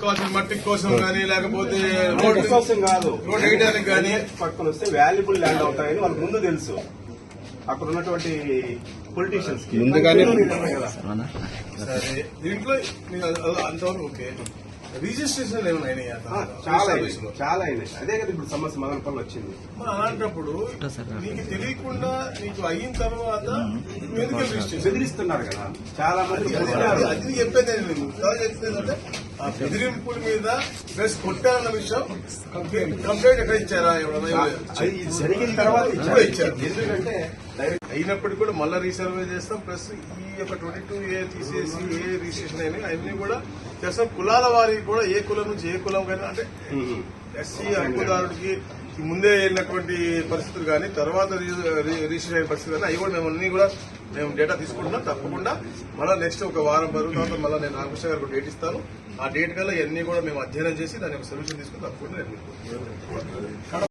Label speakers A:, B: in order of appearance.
A: కావాల్సిన మట్టి కోసం కానీ లేకపోతే
B: కోసం కాదు,
A: రోడ్ వేయడానికి కానీ
B: పట్టుకొని వస్తే వాల్యుబుల్ ల్యాండ్ అవుతాయని వాళ్ళకి ముందు తెలుసు. అక్కడ ఉన్నటువంటి పొలిటీషియన్స్ కి
C: ముందుగానే
A: సరే దీంట్లో అంతవరకు ఓకే. రిజిస్ట్రేషన్ ఏమైనా
B: చాలా అయినాయి. అదే కదా ఇప్పుడు సమస్య మదనపల్లి వచ్చింది.
A: అలాంటప్పుడు నీకు తెలియకుండా నీకు అయిన తర్వాత
B: బెదిరిస్తున్నారు కదా చాలా మంది.
A: అది చెప్పేది చెప్తుందంటే ఆ బెదిరింపుల మీద ప్లస్ కొట్టారన్న విషయం కంప్లైంట్ ఎక్కడ ఇచ్చారా?
B: అది జరిగిన తర్వాత
A: ఇచ్చారు.
B: ఎందుకంటే
A: అయినప్పటికీ కూడా మళ్ళీ రీసర్వే చేస్తాం. ప్లస్ ఈ యొక్క 22A తీసేసి ఏ రిజిస్ట్రేషన్ అయినా అవన్నీ కూడా చేస్తాం. కులాల వారికి కూడా ఏ కులం నుంచి ఏ కులం కానీ అంటే ఎస్సీ హక్కుదారుడికి ముందే వెళ్ళినటువంటి పరిస్థితులు కానీ తర్వాత రిజిస్టర్ అయిన పరిస్థితులు కానీ అవి కూడా మేము అన్ని కూడా మేము డేటా తీసుకుంటున్నాం. తప్పకుండా మళ్ళీ నెక్స్ట్ ఒక వారం వరకు తర్వాత మళ్ళీ నేను రామకృష్ణ గారికి డేట్ ఇస్తాను. ఆ డేట్ కల్లా ఇవన్నీ కూడా మేము అధ్యయనం చేసి దాని యొక్క సొల్యూషన్ తీసుకుని తప్పకుండా